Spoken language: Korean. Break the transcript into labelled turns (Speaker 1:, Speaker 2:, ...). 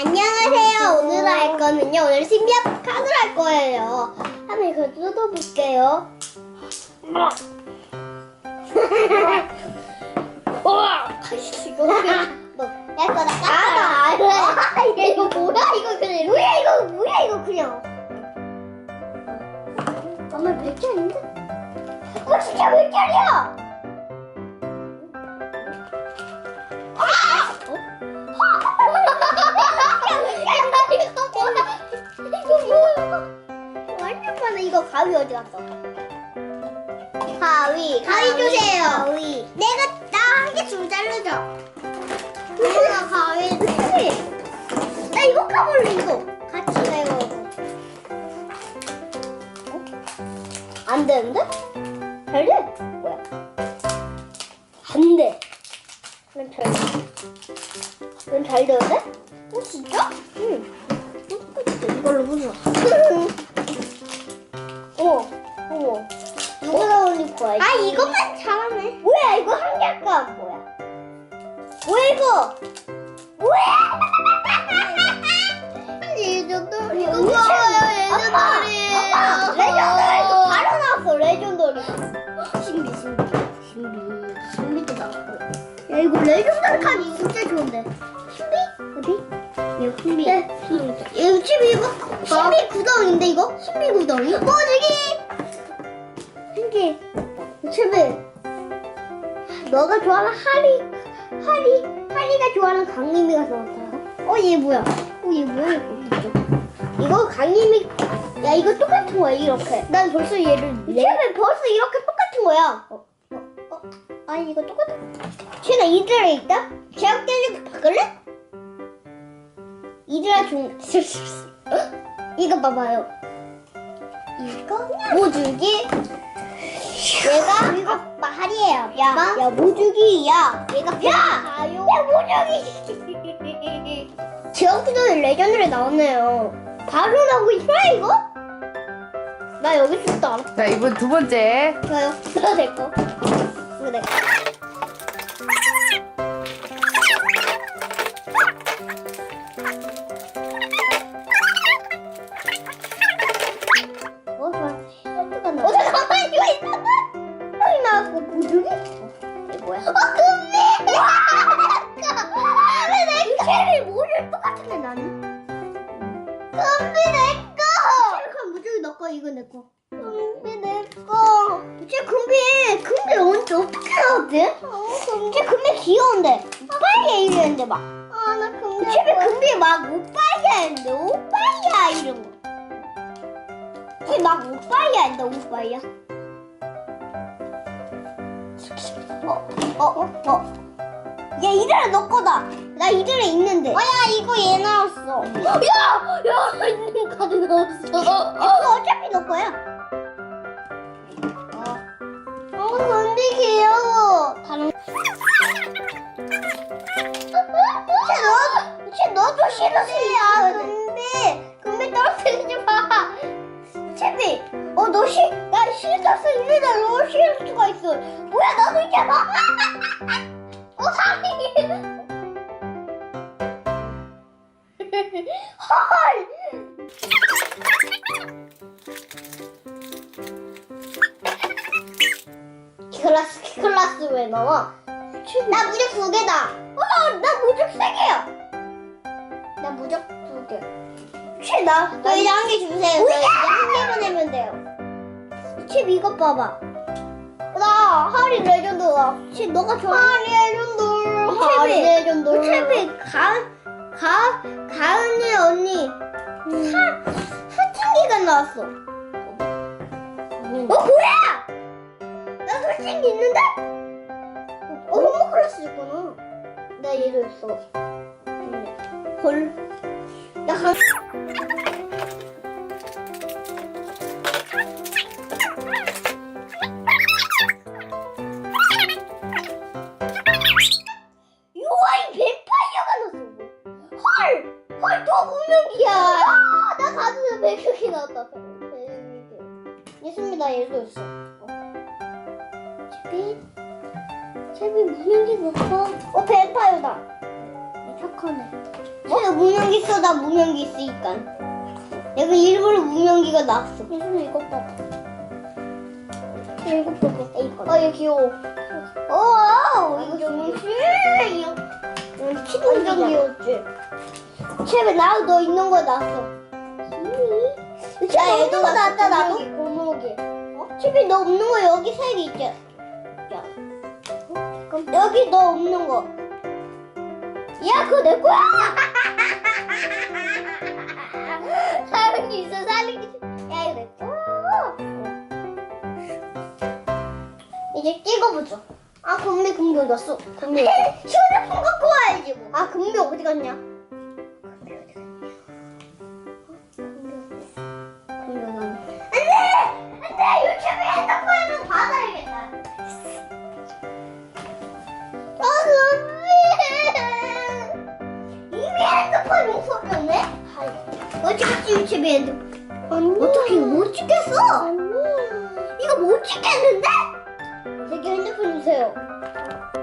Speaker 1: 안녕하세요. 오늘 할 거는요. 오늘 신비한 카드를 할 거예요. 한번 이걸 뜯어볼게요. 이거 내 거다 깠다. 이거 뭐야? 이거 그냥 뭐야? 이거 그냥. 엄마 몇 개인데? 진짜 몇 개야? 완전 많아. 이거 가위 어디 갔어? 가위 주세요. 가위. 나 한 개 좀 자르자. 내가 가위 줄게. 나 이거 까볼래 이거. 같이 내가 이거. 안 되는데? 잘 돼? 뭐야? 안 돼. 넌 잘 되는데? 진짜? 응. 이걸로 보자. 어머. 누구나 올릴 거야? 이것만 잘하네. 뭐야, 이거 한 개가 뭐야? 뭐야, 이거? 뭐야? 레전더리. 이거 봐요, 레전더리. 아빠, 레전더리 바로 나왔어, 레전더리. 신비도 나왔고. 야, 이거 레전더리 칸이 진짜 좋은데. 신비? 어디? 이거 신비. 이거 신비 이거? 신비 구덩인데 이거? 신비 구덩이? 저기! 신기. 신비. 너가 좋아하는 하리가 좋아하는 강림이가 좋았다. 얘 뭐야? 얘 뭐야 이거 강림이. 야, 이거 똑같은 거야 이렇게. 난 벌써 얘를. 신비 벌써 이렇게 똑같은 거야. 이거 똑같은. 쟤나 이들에 있다? 제약 때리고 바꿀래? 이들아 이거 봐봐요. 이거 모주기. 얘가 이거 말이에요. 야 모주기야. 얘가 가요. 야 모주기. 제약기도에 레전드에 나왔네요. 바로 나오고 있어 이거? 나 여기 있다.
Speaker 2: 자, 이번 두 번째.
Speaker 1: 좋아요. 이거 내 거. 이거 내 거. 잠깐만, 이거 있잖아. 여기 나왔고, 모주기? 이게 뭐야? 금비! 왜 내 거? 모주 똑같은데, 나는? 금비 내 거! 체리칸 모주기 너 거, 이거 내 거. 금비 내 거. 금비 어떻게 나왔지? 쟤 금비 귀여운데. 오빠야 이랬는데 막. 나 금비. 금비 막 오빠야 했는데, 오빠야 이런 거. 막 오빠야 한다 오빠야. 야 이들아 너 거다. 나 이들에 있는데. 야 이거 얘 나왔어. 야 있는 카드 나왔어. 이거 어차피 너 거야. 근데 귀여워. 다른. 너도 싫었어. 근데 떨어뜨리지 마. 채비, 나 싫었어. 있는데 너 싫을 수가 있어. 뭐야, 나도 있잖아. 사기. 헐. 키클라스 왜 나와? 나 무적 2개다. 나 무적 3개야. 나 무적 2개. 저 이제 한 개 주세요. 저 이제 한 개만 내면 돼요. 칩 이것 봐봐. 나 하리 레전드다. 칩 너가 좋아하는 하리 레전드. 칩이 가은이 언니 사춘기가 나왔어. 뭐야? 나 솔직히 있는데? 홈모클래스 있구나. 나 얘도 있어. 헐. 나 유아인 뱀파이어가 났어. 헐, 더 운명이야. 나 가슴에 100개 나왔다. 예수입니다. 얘도 있어. 채비 무슨 게 났어? 뱀파이어다. 착하네. 제가 무명기 써. 나 무명기 있으니까. 내가 일부러 무명기가 나왔어. 무슨 이것 봐봐. 이거 봐봐. 이거. 얘 귀여워. 이거 정신. 키도 완전 귀엽지. 쟤왜 나하고 너 있는 거 나왔어. 야, 얘도 나왔다. 나도. 고목이. 칩이 너 없는 거 여기 색이 있지. 야. 여기 너 없는 거. 야, 그거 내 거야. 사랑이 있어, 사랑이. 야, 이거 내 거야. 이제 찍어보자. 금비 어디 갔어? 금비 휴대폰 갖고 와야지 뭐. 금비 어디 갔냐? 금비 어디 갔냐? 금비 어디 갔냐? 안돼! 유튜브 핸드폰으로 받아야겠다. 금비! 이미 핸드폰 없어졌네? 어찌겠지 유튜브 핸드폰? 어떻게 이거 못 찍겠어? 이거 못 찍겠는데? 저기 핸드폰 주세요.